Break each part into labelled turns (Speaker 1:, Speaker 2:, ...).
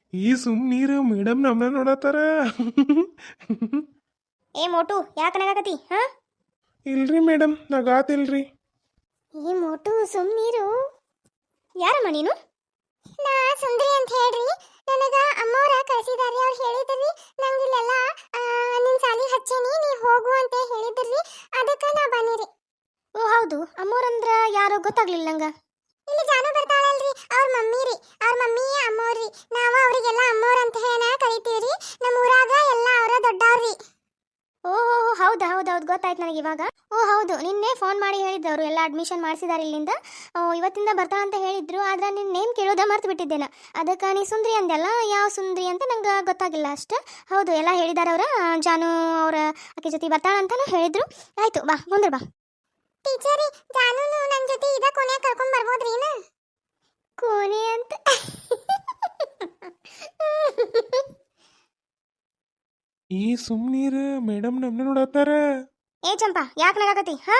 Speaker 1: ಈ ಸುಮ್ನೀರು ಮೇಡಮ್ ನಮ್ಮನ್ನ ನೋಡತ್ತಾರ.
Speaker 2: ಏ ಮೋಟು ಯಾಕೆ ನಗಾಕತಿ ಹಾ?
Speaker 1: ಇಲ್ರಿ ಮೇಡಮ್, ನಗಾತಿಲ್ರಿ.
Speaker 2: ಏ ಮೋಟು ಸುಮ್ಮನೀರು. ಯಾರಮ್ಮ ನೀನು? ನಾ ಸುಂದ್ರಿ ಅಂತ ಹೇಳ್ರಿ. ನನಗ ಅಮ್ಮವ್ರ ಕಳಿಸಿದಾರಿ. ಅವ್ರು ಹೇಳಿದ್ರಿ ನಂಗೆ ಇಲ್ಲೆಲ್ಲ ನಿನ್ನ ಸಾಲಿ ಹಚ್ಚೇನಿ, ನೀ ಹೋಗು ಅಂತ ಹೇಳಿದ್ರಿ. ಅದಕ್ಕೆ ನಾ ಬನ್ನಿರಿ. ಓ ಹೌದು, ಅಮ್ಮವ್ರಂದ್ರ ಯಾರೋ ಗೊತ್ತಾಗ್ಲಿಲ್ಲ ನಂಗ. ಇಲ್ಲಿ ಜಾನು ಬರ್ತಾಳಲ್ರಿ, ಅವ್ರ ಮಮ್ಮಿ ರೀ. ಅವ್ರ ಮಮ್ಮಿ ಅಮ್ಮವ್ರಿ. ನಾವು ಅವರಿಗೆಲ್ಲ ಅಮ್ಮವ್ರ ಅಂತ ಹೇಳ ಕರಿತೀವ್ರಿ. ನಮ್ಮ ಊರಾಗ ಎಲ್ಲ ಅವರ ದೊಡ್ಡವ್ರಿ. ಓಹೋ ಹೌದಾ ಹೌದೌದು ಗೊತ್ತಾಯ್ತು ನನಗೆ ಇವಾಗ. ಓ ಹೌದು, ನಿನ್ನೆ ಫೋನ್ ಮಾಡಿ ಹೇಳಿದ್ದವರು ಎಲ್ಲ ಅಡ್ಮಿಷನ್ ಮಾಡಿಸಿದಾರೆ ಇಲ್ಲಿಂದ. ಇವತ್ತಿಂದ ಬರ್ತಾ ಅಂತ ಹೇಳಿದ್ರು. ಆದ್ರೆ ನಿನ್ನ ನೇಮ್ ಕೇಳೋದ ಮರ್ತು ಬಿಟ್ಟಿದ್ದೇನೆ. ಅದಕ್ಕೆ ನೀ ಸುಂದ್ರಿ ಅಂದೆಲ್ಲ, ಯಾವ ಸುಂದ್ರಿ ಅಂತ ನಂಗೆ ಗೊತ್ತಾಗಿಲ್ಲ ಅಷ್ಟು. ಹೌದು ಎಲ್ಲ ಹೇಳಿದಾರೆ ಅವ್ರ. ಜಾನು ಅವರ ಆಕೆ ಜೊತೆ ಬರ್ತಾಳ ಅಂತಾನು ಹೇಳಿದ್ರು. ಆಯ್ತು ಬಾ ಮುಂದೆ ಬಾ. ಟೀಚರಿ ಜಾನು ನನ್ನ ಜೊತೆ ಇದ ಕೊನೆ ಕರ್ಕೊಂಡ್ ಬರ್ಬೋದ್ರಿ ನಾ? ಕೋನೆ ಅಂತ
Speaker 1: ಈ ಸುಮ್ನೀರು ಮೇಡಮ್ ನಮ್ಮನ್ನ ನೋಡತ್ತಾರ.
Speaker 2: ಏ ಚಂಪಾ ಯಾಕೆ ನಗಾಕತಿ ಹಾ?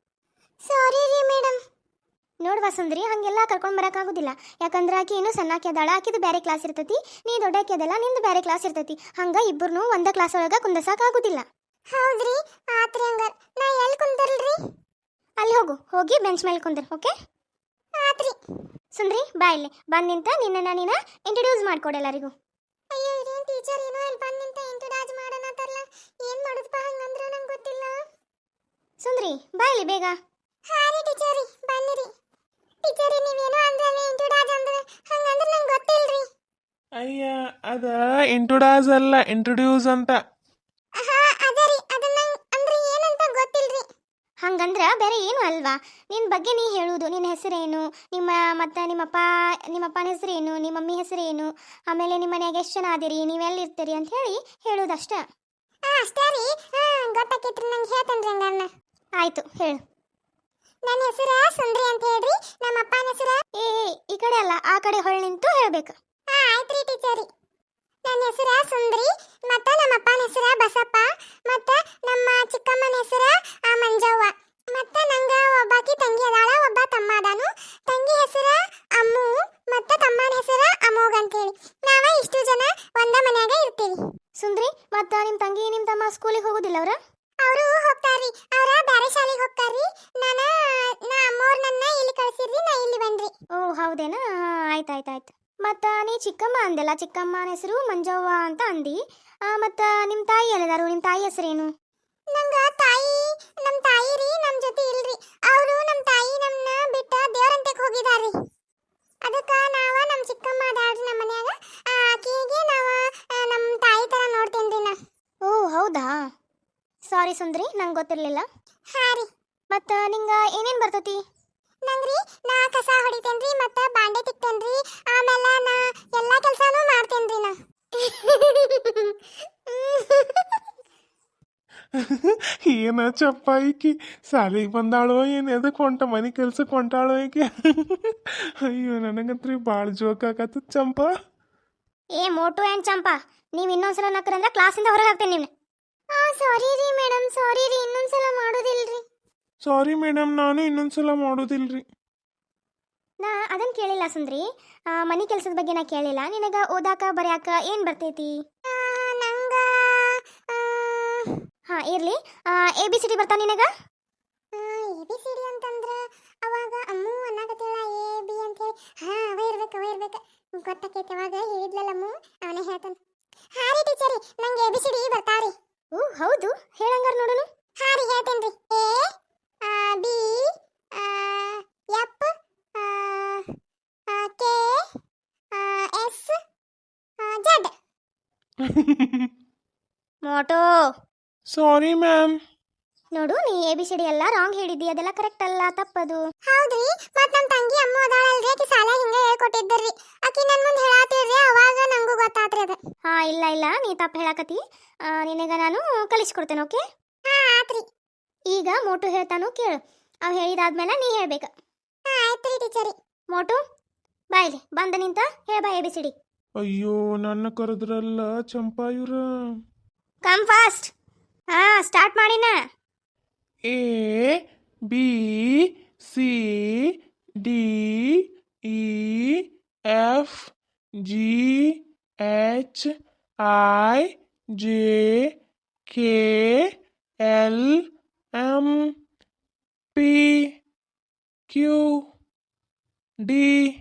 Speaker 2: ಸಾರಿ ರೀ ಮೇಡಮ್. ನೋಡ್ವಾ ಸುಂದ್ರಿ, ಹಂಗೆಲ್ಲ ಕರ್ಕೊಂಡು ಬರೋಕ್ಕಾಗೋದಿಲ್ಲ. ಯಾಕಂದ್ರೆ ಆಕಿ ಇನ್ನೂ ಸಣ್ಣಾಕಿ ಅದಾಳ. ಆಕಿದು ಬೇರೆ ಕ್ಲಾಸ್ ಇರ್ತೈತಿ, ನೀ ದೊಡ್ಡಾಕಿ ಅದಲ್ಲ, ನಿಂದು ಬೇರೆ ಕ್ಲಾಸ್ ಇರ್ತೈತಿ. ಹಂಗ ಇಬ್ಬರನ್ನೂ ಒಂದೇ ಕ್ಲಾಸ್ ಒಳಗೆ ಕುಂದರ್ಸಕ್ಕಾಗೋದಿಲ್ಲ. ಹೌದ್ರಿ, ಆತ್ರಿ. ಹಂಗಾರ ನಾ ಎಲ್ಲಿ ಕುಂದರ್ಲ್ರಿ? ಅಲ್ಲಿ ಹೋಗು, ಹೋಗಿ ಬೆಂಚ್ ಮೇಲೆ ಕುಂದರ್. ಓಕೆ ಆತ್ರಿ. ಸುಂದ್ರಿ ಬಾ ಇಲ್ಲಿ ಬಂದು ನಿಂತ ನಿನ್ನ ನೀನ ಇಂಟ್ರೊಡ್ಯೂಸ್ ಮಾಡ್ಕೊಡು ಎಲ್ಲರಿಗೂ. ಅಯ್ಯೋ ಇದೇನು ಟೀಚರ್ ಏನೋ ಇಲ್ಲಿ ಬಂದು ನಿಂತ ಇಂಟ್ರೊಡ್ಯೂಸ್ ಮಾಡೋಣತ್ತಾರಲ್ಲ, ಏನು ಮಾಡೋದಪ್ಪ ಹಂಗಂದ್ರೆ ನಂಗೆ ಗೊತ್ತಿಲ್ಲ. ಸುಂದ್ರಿ ಬಾ ಇಲ್ಲಿ ಬೇಗ. ಹಾರಿ ಟೀಚರಿ ಬನ್ನಿರಿ. ಟೀಚರಿ ನೀವೇನೋ ಅಂದ್ರೆ ಇಂಟ್ರೊಡ್ಯೂಸ್ ಅಂದ್ರೆ ಹಂಗಂದ್ರೆ ನಂಗೆ ಗೊತ್ತಿಲ್ರಿ.
Speaker 1: ಅಯ್ಯ, ಅದ ಇಂಟ್ರೊಡ್ಯೂಸ್ ಅಲ್ಲ, ಇಂಟ್ರೊಡ್ಯೂಸ್ ಅಂತ.
Speaker 2: ಹಾ ಅದರಿ, ಅದನ್ನ ಅಂದ್ರೆ ಏನಂತ ಗೊತ್ತಿಲ್ರಿ. ಹಂಗಂದ್ರ ಬೇರೆ ಏನು ಅಲ್ವಾ? ನಿನ್ನ ಬಗ್ಗೆ ನೀ ಹೇಳುವುದು, ನಿನ್ನ ಹೆಸರೇನು, ಮತ್ತು ನಿಮ್ಮಪ್ಪನ ಹೆಸರೇನು, ನಿಮ್ಮ ಮಮ್ಮಿ ಹೆಸರೇನು, ಆಮೇಲೆ ನಿಮ್ಮ ಮನೆಯಾಗ ಎಷ್ಟು ಜನ ಅದಿರಿ, ನೀವೆಲ್ಲಿರ್ತೀರಿ ಅಂತ ಹೇಳಿ ಹೇಳುವುದಷ್ಟ. ಅಷ್ಟೇ ರೀ. ಗೊತ್ತಾಕೈತ್ರಿ, ನಂಗೆ ಹೇಳ್ತೇನೆ ರೀ ಹಂಗನ್ನ. ಆಯಿತು ಹೇಳು. ನನ್ನ ಹೆಸರು ಸುಂದ್ರಿ ಅಂತ ಹೇಳ್ರಿ. ನಮ್ಮ ಅಪ್ಪನ ಹೆಸರು ಈ ಕಡೆ ಅಲ್ಲ, ಆ ಕಡೆ ಹೊಳ್ಳಿ ನಿಂತು ಹೇಳ್ಬೇಕು. ಆಯ್ತು ರೀ ಟೀಚರಿ. ನನ್ನ ಹೆಸರು ಸುಂದ್ರಿ, ಮತ್ತು ನಮ್ಮ ಅಪ್ಪನ ಹೆಸರು ಬಸಪ್ಪ, ಮತ್ತು ನಮ್ಮ ಚಿಕ್ಕಮ್ಮನ ಹೆಸರು ಮಂಜವ್ವ, ಮತ್ತು ನಂಗೆ ಒಬ್ಬಾಕಿ ತಂಗಿ ಅದಾಳ, ಒಬ್ಬ ತಮ್ಮ ಅದಾನು. ತಂಗಿ ಹೆಸರು ಅಮ್ಮು, ಮತ್ತು ತಮ್ಮನ ಹೆಸರು ಅಮೋಘ್ ಅಂತೇಳಿ. ನಾವ ಇಷ್ಟು ಜನ ಒಂದ ಮನ್ಯಾಗ ಇರ್ತೀವಿ. ಸುಂದ್ರಿ, ಮತ್ತು ನಿಮ್ಮ ತಂಗಿ ನಿಮ್ಮ ತಮ್ಮ ಸ್ಕೂಲಿಗೆ ಹೋಗೋದಿಲ್ಲ ಅವ್ರ? ಅವರು ಹೋಗ್ತಾರ್ರಿ, ಅವರ ಬೇರೆ ಶಾಲೆಗೆ ಹೋಗ್ತಾರ್ರಿ. ನಾ ಅಮ್ಮವ್ರು ನನ್ನ ಇಲ್ಲಿ ಕಳಿಸಿರ್ರಿ, ನಾ ಇಲ್ಲಿ ಬಂದ್ರಿ. ಓ ಹೌದೇನಾ, ಆಯ್ತು. ಮತ್ತು ನೀ ಚಿಕ್ಕಮ್ಮ ಅಂದೆಲ್ಲ, ಚಿಕ್ಕಮ್ಮನ ಹೆಸರು ಮಂಜವ್ವ ಅಂತ ಅಂದಿ. ಮತ್ತು ನಿಮ್ಮ ತಾಯಿ ಎಲ್ಲದಾರು, ನಿಮ್ಮ ತಾಯಿ ಹೆಸರೇನು? ನಮ್ಮ ತಾಯಿ ರೀ ನಮ್ಮ ಜೊತೆ ಇಲ್ರಿ. ಅವರು ನಮ್ಮ ತಾಯಿ ನಮ್ಮನ್ನ ಬಿಟ್ಟು ದೇವರಂತಕ್ಕೆ ಹೋಗಿದಾರ್ರಿ. ಅದಕ್ಕೆ ನಮ್ಮ ಚಿಕ್ಕಮ್ಮ ಅದಾಳ್ರಿ ನಮ್ಮ ಮನ್ಯಾಗ. ಆಕಿಗೆ ನಮ್ಮ ತಾಯಿ ಥರ ನೋಡ್ತೇನ್ರಿ ನಾ. ಓ ಹೌದಾ, ಸಾರಿ ಸುಂದ್ರಿ, ನಂಗೆ ಗೊತ್ತಿರಲಿಲ್ಲ. ಹಾಂ ರೀ. ಮತ್ತು ನಿಂಗೆ ಏನೇನು ಬರ್ತೈತಿ? ನಂಗ್ರಿ, ನಾ ಕಸ ಹೊಡಿತೇನ್ರಿ, ಮತ್ತು ಬಾಂಡೆ ತಿಕ್ತೇನ್ರಿ, ಆಮೇಲೆ ನಾ ಎಲ್ಲ ಕೆಲಸನೂ ಮಾಡ್ತೇನ್ರಿ ನಾ.
Speaker 1: ಏನ ಚಪ್ಪ ಈಕಿ ಸಾಲಿಗೆ ಬಂದಾಳೋ ಏನು, ಎದಕ್ಕೆ ಹೊಂಟ ಮನೆ ಕೆಲ್ಸಕ್ಕೆ ಹೊಂಟಾಳೋ ಈಕಿ. ಅಯ್ಯೋ ನನಗಂತ್ರಿ ಭಾಳ ಜೋಕ್ ಆಗತ್ತ ಚಂಪ.
Speaker 2: ಏ ಮೋಟು ಆ್ಯಂಡ್ ಚಂಪಾ, ನೀವು ಇನ್ನೊಂದ್ಸಲ ನಕ್ಕರಂದ್ರೆ ಕ್ಲಾಸಿಂದ ಹೊರಗೆ ಹಾಕ್ತೇನೆ ನಿಮ್ನ. ಸಾರಿ ರೀ ಮೇಡಮ್, ಸಾರಿ ರೀ, ಇನ್ನೊಂದ್ಸಲ ಮಾಡೋದಿಲ್ರಿ.
Speaker 1: ಸಾರಿ ಮೇಡಮ್, ನಾನು ಇನ್ನೊಂದ್ಸಲ ಮಾಡೋದಿಲ್ರಿ.
Speaker 2: ನಾ ಅದನ್ನು ಕೇಳಿಲ್ಲ ಸುಂದ್ರಿ, ಮನೆ ಕೆಲಸದ ಬಗ್ಗೆ ನಾ ಕೇಳಿಲ್ಲ. ನಿನಗೆ ಓದಾಕ ಬರ್ಯಾಕ ಏನು ಬರ್ತೈತಿ? ನಂಗೆ ಹಾಂ ಇರಲಿ. ABCD ಬರ್ತಾ ನಿನಗೆ? ABCD ಅಂತಂದ್ರೆ ಅವಾಗ ಅಮ್ಮು ಅನ್ನಕತ್ತಿಲ್ಲ, AB ಅಂತೇಳಿ. ಹಾಂ ಅವ ಇರ್ಬೇಕು ಗೊತ್ತಾಕೈತೆ. ಅವಾಗ ಹೇಳಿದ್ಲಲ್ಲ ಅಮ್ಮು, ಅವನೇ ಹೇಳ್ತಾನೆ. ಹಾಂ ರೀ ಟೀಚರಿ, ನಂಗೆ ABCD ಬರ್ತಾವ್ರಿ. ಓ ಹೌದು, ಹೇಳಂಗಾರ ನೋಡೋಣ. ಹಾಂ ರೀ ಹೇಳ್ತೇನೆ ರೀ. A B F K S Z. ಮೋಟೋ
Speaker 1: ಸಾರಿ ಮ್ಯಾಮ್.
Speaker 2: ನೋಡು, ನೀ ABCD ಎಲ್ಲ ರಾಂಗ್ ಹೇಳಿದ್ದಿ, ಅದೆಲ್ಲ ಕರೆಕ್ಟ್ ಅಲ್ಲ, ತಪ್ಪದು. ಹೌದ್ರಿ, ಮತ್ ನಮ್ಮ ತಂಗಿ ಅಮ್ಮ ಅದಾಳಲ್ರಿ, ಆಕಿ ಸಾಲ ಹಿಂಗ ಹೇಳ್ಕೊಟ್ಟಿದ್ದರ್ರಿ. ಆಕಿ ನನ್ನ ಮುಂದೆ ಹೇಳಾತಿರ್ರಿ, ಅವಾಗ ನಂಗೂ ಗೊತ್ತಾತ್ರಿ ಅದು. ಹಾ ಇಲ್ಲ ನೀ ತಪ್ಪು ಹೇಳಾಕತಿ. ನಿನಗ ನಾನು ಕಲಿಸ್ಕೊಡ್ತೇನೆ. ಓಕೆ ಆತ್ರಿ. ಈಗ ಮೋಟು ಹೇಳ್ತಾನು ಕೇಳು, ಅವ್ ಹೇಳಿದಾದ್ಮೇಲೆ ನೀ ಹೇಳ್ಬೇಕು. ಆಯ್ತ್ರಿ ಟೀಚರಿ. ಮೋಟು ಬಾಯ್ಲಿ ಬಂದ ನಿಂತ ಹೇಳ ಬಾ ABCD.
Speaker 1: ಅಯ್ಯೋ ನನ್ನ ಕರೆದ್ರಲ್ಲ ಚಂಪಾ ಇವ್ರ.
Speaker 2: Come fast. ಹಾ ಸ್ಟಾರ್ಟ್ ಮಾಡಿನ.
Speaker 1: ABCDEFG H I J K L M P Q D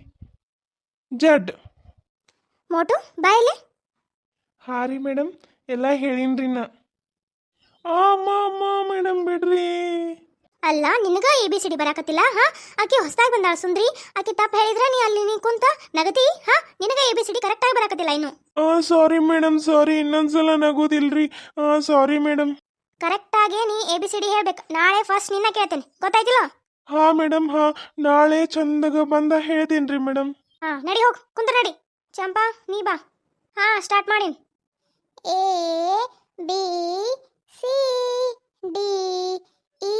Speaker 1: Z.
Speaker 2: ಮೋಟು ಬಾಯಲ್ಲಿ.
Speaker 1: ಹಾಂ ರೀ ಮೇಡಮ್, ಎಲ್ಲ ಹೇಳಿನ್ರಿ ನಾ. ಅಮ್ಮ ಅಮ್ಮ ಮೇಡಮ್ ಬಿಡ್ರಿ.
Speaker 2: ಅಲ್ಲ ನಿನಗ ಎ ಬಿ ಸಿ ಡಿ ಬರಾಕತ್ತಿಲ್ಲ? ಹಾ, ಆಕಿ ಹೊಸದಾಗಿ ಬಂದಾಳ ಸುಂದ್ರಿ. ಆಕಿ ತಪ್ಪು ಹೇಳಿದ್ರೆ ನೀ ಅಲ್ಲಿ ನೀ ಕುಂತ ನಗತಿ. ಹಾ, ನಿನಗ ಎ ಬಿ ಸಿ ಡಿ ಕರೆಕ್ಟಾಗಿ ಬರಾಕತ್ತಿಲ್ಲ ಇನ್ನು.
Speaker 1: Sorry madam, sorry. ಇನ್ನೊಂದ್ಸಲ ನಗೋದಿಲ್ರಿ. Sorry madam.
Speaker 2: ಕರೆಕ್ಟಾಗಿ ನೀ ಎ ಬಿ ಸಿ ಡಿ ಹೇಳ್ಬೇಕು. ನಾಳೆ ಫಸ್ಟ್ ನಿನ್ನ ಕೇಳ್ತೇನೆ, ಗೊತ್ತಾಯ್ತಿಲ್ಲ?
Speaker 1: ಹಾಂ ಮೇಡಮ್, ಹಾಂ. ನಾಳೆ ಚಂದಾಗ ಬಂದ ಹೇಳ್ತೀನಿ ರೀ ಮೇಡಮ್.
Speaker 2: ಹಾ, ನಡಿ ಹೋಗು, ಕುಂತ ನಡಿ. ಚಂಪಾ ನೀ ಬಾ. ಹಾ, ಸ್ಟಾರ್ಟ್ ಮಾಡಿ. A B C D E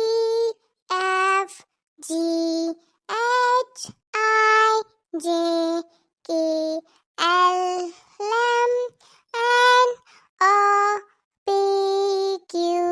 Speaker 2: F G H I J K L M N O P Q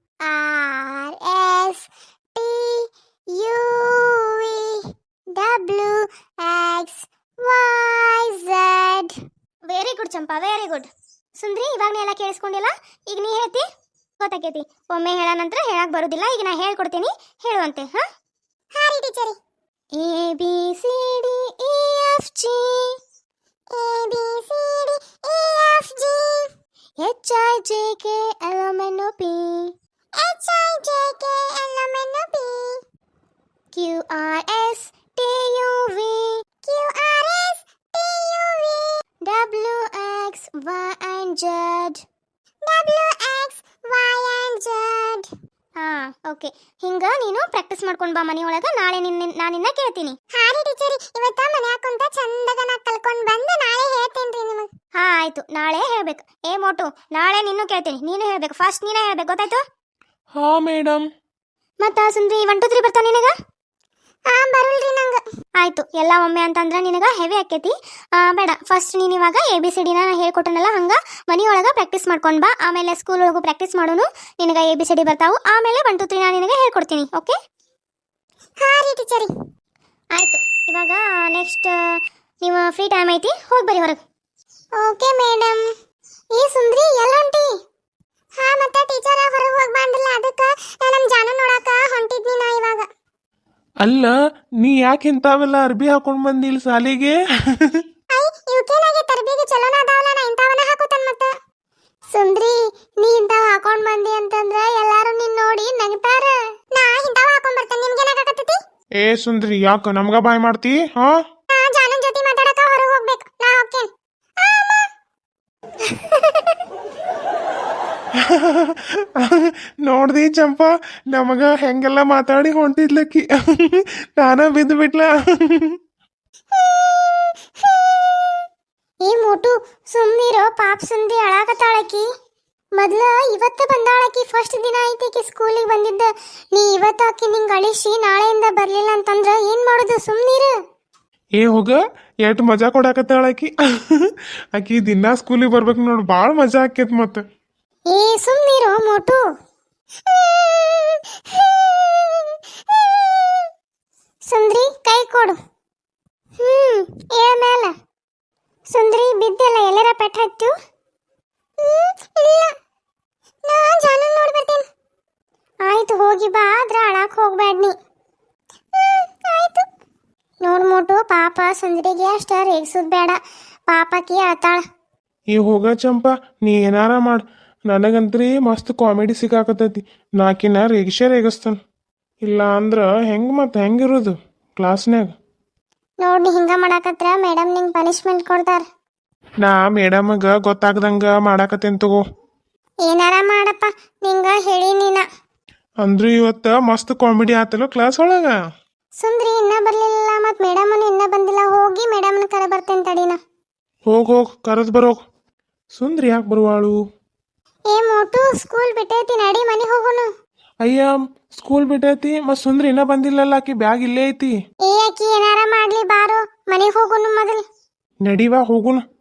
Speaker 2: R S T U V W X Y Z. Very good Champa, very good. ಸುಂದ್ರಿ, ಇವಾಗ ನೀ ಎಲ್ಲ ಕೇಳಿಸ್ಕೊಂಡಿಲ್ಲ. ಈಗ ನೀ ಹೇಳ್ತಿ, ಗೊತ್ತಾಕೈತಿ. ಒಮ್ಮೆ ಹೇಳ ನಂತರ ಹೇಳಕ್ ಬರುದಿಲ್ಲ. ಈಗ ನಾ ಹೇಳ್ಕೊಡ್ತೀನಿ, ಹೇಳುವಂತೆ. ಹಾ ರೀ ಟೀಚರಿ. A B C D E F G, A B C D E F G, H I J K L M N O P, H I J K L M N O P, Q R S T U V, Q R S T U V, W X Y and Z, W X Y and Z. ಹಾ, okay. ಹಿಂಗ ನೀನು practice ಮಾಡ್ಕೊಂಡು ಬಾ ಮನೆಯೊಳಗ. ನಾಳೆ ನಾನು ನಿನ್ನ ಕೇಳ್ತೀನಿ. ಹಾ ರೀ ಟೀಚರಿ, ಇವತ್ತ ಮನ್ಯಾಗ ಕುಂತ ಚಂದಗ ನಾ ಕಲ್ಕೊಂಡು ಬಂದು ನಾಳೆ ಹೇಳ್ತೇನ್ರಿ ನಿಮಗೆ. ಹಾ ಆಯ್ತು, ನಾಳೆ ಹೇಳ್ಬೇಕು. ಏ ಮೋಟು, ನಾಳೆ ನಿನ್ನೂ ಕೇಳ್ತೀನಿ, ನೀನು ಹೇಳ್ಬೇಕು. ಫಸ್ಟ್ ನೀನೇ ಹೇಳ್ಬೇಕು, ಗೊತ್ತಾಯ್ತು?
Speaker 1: ಹಾಂ ಮೇಡಮ್.
Speaker 2: ಮತ್ತ ಸುಂದ್ರಿ 1 2 3 ಬರ್ತಾವ ನಿನಗ? ಬರಲ್ರಿ ನಂಗೆ. ಆಯ್ತು, ಎಲ್ಲ ಒಮ್ಮೆ ಅಂತಂದ್ರೆ ನಿನಗೆ ಹೆವಿ ಆಕೈತಿ. ಬೇಡ, ಫಸ್ಟ್ ನೀನು ಇವಾಗ ಎ ಬಿ ಸಿ ಡಿನ ಹೇಳ್ಕೊಟ್ಟನಲ್ಲ, ಹಂಗೆ ಮನೆಯೊಳಗೆ ಪ್ರಾಕ್ಟೀಸ್ ಮಾಡ್ಕೊಂಡು ಬಾ. ಆಮೇಲೆ ಸ್ಕೂಲ್ ಒಳಗೂ ಪ್ರಾಕ್ಟೀಸ್ ಮಾಡೋನು. ನಿನಗೆ ಎ ಬಿ ಸಿ ಡಿ ಬರ್ತಾವು. ಆಮೇಲೆ 1 2 3 ನಾನು ನಿನಗೆ ಹೇಳ್ಕೊಡ್ತೀನಿ. ಓಕೆ? ಹಾಂ ರೀ ಟೀಚರಿ. ಆಯಿತು, ಇವಾಗ ನೆಕ್ಸ್ಟ್ ನೀವು ಫ್ರೀ ಟೈಮ್ ಐತಿ, ಹೋಗಿ ಬರ್ರಿ ಹೊರಗೆ. Okay madam. ಈ ಸುಂದ್ರಿ ಎಲ್ಲ ಹೊಂಟಿ? ಹಾಂ, ಮತ್ತೆ ಟೀಚರ ಹೊರಗೆ ಹೋಗಿ ಬಂದಿಲ್ಲ, ಅದಕ್ಕೆ ನಮ್ಮ ಜಾನು ನೋಡಾಕ ಹೊಂಟಿದ್ನಿ ನಾ ಇವಾಗ.
Speaker 1: ಅಲ್ಲ, ನೀ ಯಾಕೆ ಇಂಥವೆಲ್ಲ ಅರ್ಬಿ ಹಾಕೊಂಡು ಬಂದಿಲ್ಲ ಸಾಲಿಗೆ?
Speaker 2: ಇವಕ್ಕೇನಾಗೆ ತರಬೇತಿ ಚಲೋನ ಅದಾವಲ್ಲ, ನಾ ಇಂಥವನ್ನ ಹಾಕೋತನ್ ಮತ್ತೆ. ಸುಂದ್ರಿ, ನೀ ಇಂಥವ್ ಹಾಕೊಂಡ್ ಬಂದಿ ಅಂತಂದ್ರೆ ಎಲ್ಲಾರು ನಿನ್ ನೋಡಿ ನಗ್ತಾರ. ನಾ ಇಂಥವ್ ಹಾಕೊಂಡ್ ಬರ್ತೇನೆ, ನಿಮ್ಗೇನಾಗತ್ತೈತಿ?
Speaker 1: ಏ ಸುಂದ್ರಿ, ಯಾಕ ನಮ್ಗ ಬಾಯ್ ಮಾಡ್ತಿ? ಹಾ,
Speaker 2: ಜಾನನ್ ಜೊತೆ ಮಾತಾಡಕ ಹೊರಗೆ ಹೋಗ್ಬೇಕು, ನಾ ಹೋಗ್ತೇನೆ.
Speaker 1: ನೋಡ್ದಿ ಚಂಪಾ, ನಮಗ ಹೆಂಗೆಲ್ಲ ಮಾತಾಡಿ ಹೊಂಟಿದ್ಲಕ್ಕಿ. ನಾನ ಬಿದ್ದು ಬಿಟ್ಲ.
Speaker 2: ಏ ಮೋಟು, ಸುಮ್ನಿರೋ, ಪಾಪ ಸುಂದಿ ಅಳಾಕತ್ತಾಳಕಿ. ಮೊದ್ಲ ಇವತ್ತ ಬಂದಾಳಕಿ, ಫಸ್ಟ್ ದಿನ ಐತಿ ಸ್ಕೂಲಿಗೆ ಬಂದಿದ್ದ. ನೀ ಇವತ್ತು ಆಕಿ ನಿಂಗೆ ಅಳಿಸಿ ನಾಳೆಯಿಂದ ಬರ್ಲಿಲ್ಲ ಅಂತಂದ್ರ ಏನ್ ಮಾಡೋದು? ಸುಮ್ನಿರು.
Speaker 1: ಏ ಹೋಗ, ಎಷ್ಟ್ ಮಜಾ ಕೊಡಾಕತ್ತಾಳ ಆಕಿ. ಆಕಿ ದಿನಾ ಸ್ಕೂಲಿಗೆ ಬರ್ಬೇಕು ನೋಡು, ಭಾಳ ಮಜಾ ಆಕೇತ್ ಮತ್ತ.
Speaker 2: ಏ ಸುಮ್ನಿರೋ ಮೋಟು. ಸುಂದ್ರಿ, ಕೈ ಕೊಡು. ಏಳ ಸುಂದ್ರಿ, ಬಿದ್ದೆಲ್ಲ ಎಲ್ಲರ ಪೆಟ್ಟ ಹತ್ತು? ಇಲ್ಲ, ನಾ ಜಾನು ನೋಡಿ ಬರ್ತೇನೆ. ಆಯ್ತು, ಹೋಗಿ ಬಾ, ಆದ್ರ ಅಳಾಕ್ ಹೋಗ್ಬೇಡ ನೀ. ಆಯ್ತು. ನೋಡ್ ಮೋಟು, ಪಾಪ ಸುಂದ್ರಿಗೆ ಅಷ್ಟ ರೇಗ್ಸುದ್ ಬೇಡ, ಪಾಪಕಿ ಅಳ್ತಾಳ.
Speaker 1: ಈ ಹೋಗ ಚಂಪಾ, ನೀ ಏನಾರ ಮಾಡ್, ನನಗಂತ್ರಿ ಮಸ್ತ್ ಕಾಮಿಡಿ ಸಿಕ್ಕಾಕತೈತಿ. ನಾಕಿನ ರೇಗಿಸ್ತಾನ. ಇಲ್ಲ ಅಂದ್ರ ಹೆಂಗಿರೋದು ಕ್ಲಾಸ್ನ್ಯಾಗ?
Speaker 2: ನೋಡಿ, ಹಿಂಗ ಮಾಡಾಕತ್ರ ಮೇಡಮ್ ನಿಂಗೆ ಪನಿಷ್ಮೆಂಟ್ ಕೊಡ್ತಾರ.
Speaker 1: ನಾ ಮೇಡಮ್ಗ ಗೊತ್ತಾಗ್ದಂಗ ಮಾಡಾಕತ್ತೇನ್ ತಗೋ.
Speaker 2: ಏನಾರ ಮಾಡಪ್ಪ, ನಿಂಗ ಹೇಳಿ ನೀನ.
Speaker 1: ಅಂದ್ರು ಇವತ್ತ ಮಸ್ತ್ ಕಾಮಿಡಿ ಆತಲ್ಲ ಕ್ಲಾಸ್ ಒಳಗ.
Speaker 2: ಸುಂದ್ರಿ ಇನ್ನ ಬರ್ಲಿಲ್ಲ, ಮತ್ ಮೇಡಮನು ಇನ್ನ ಬಂದಿಲ್ಲ. ಹೋಗಿ ಮೇಡಮ್ನ ಕರೆ ಬರ್ತೇನೆ ತಡಿನ.
Speaker 1: ಹೋಗ್ ಕರೆದ್ ಬರೋಗ್. ಸುಂದ್ರಿ ಯಾಕೆ ಬರುವಾಳು?
Speaker 2: ಏ ಮೋಟು, ಸ್ಕೂಲ್ ಬಿಟ್ಟೈತಿ, ನಡಿ ಮನೆ ಹೋಗೋನು.
Speaker 1: ಅಯ್ಯ, ಸ್ಕೂಲ್ ಬಿಟ್ಟೈತಿ, ಮತ್ ಸುಂದ್ರಿ ಇನ್ನ ಬಂದಿಲ್ಲಲ್ಲ, ಆಕಿ ಬ್ಯಾಗ್ ಇಲ್ಲೇ ಐತಿ.
Speaker 2: ಏ ಆಕಿ ಏನಾರ ಮಾಡ್ಲಿ, ಬಾರೋ ಮನೆಗೆ ಹೋಗೋನು ಮೊದಲು.
Speaker 1: ನಡಿವಾ ಹೋಗುನು.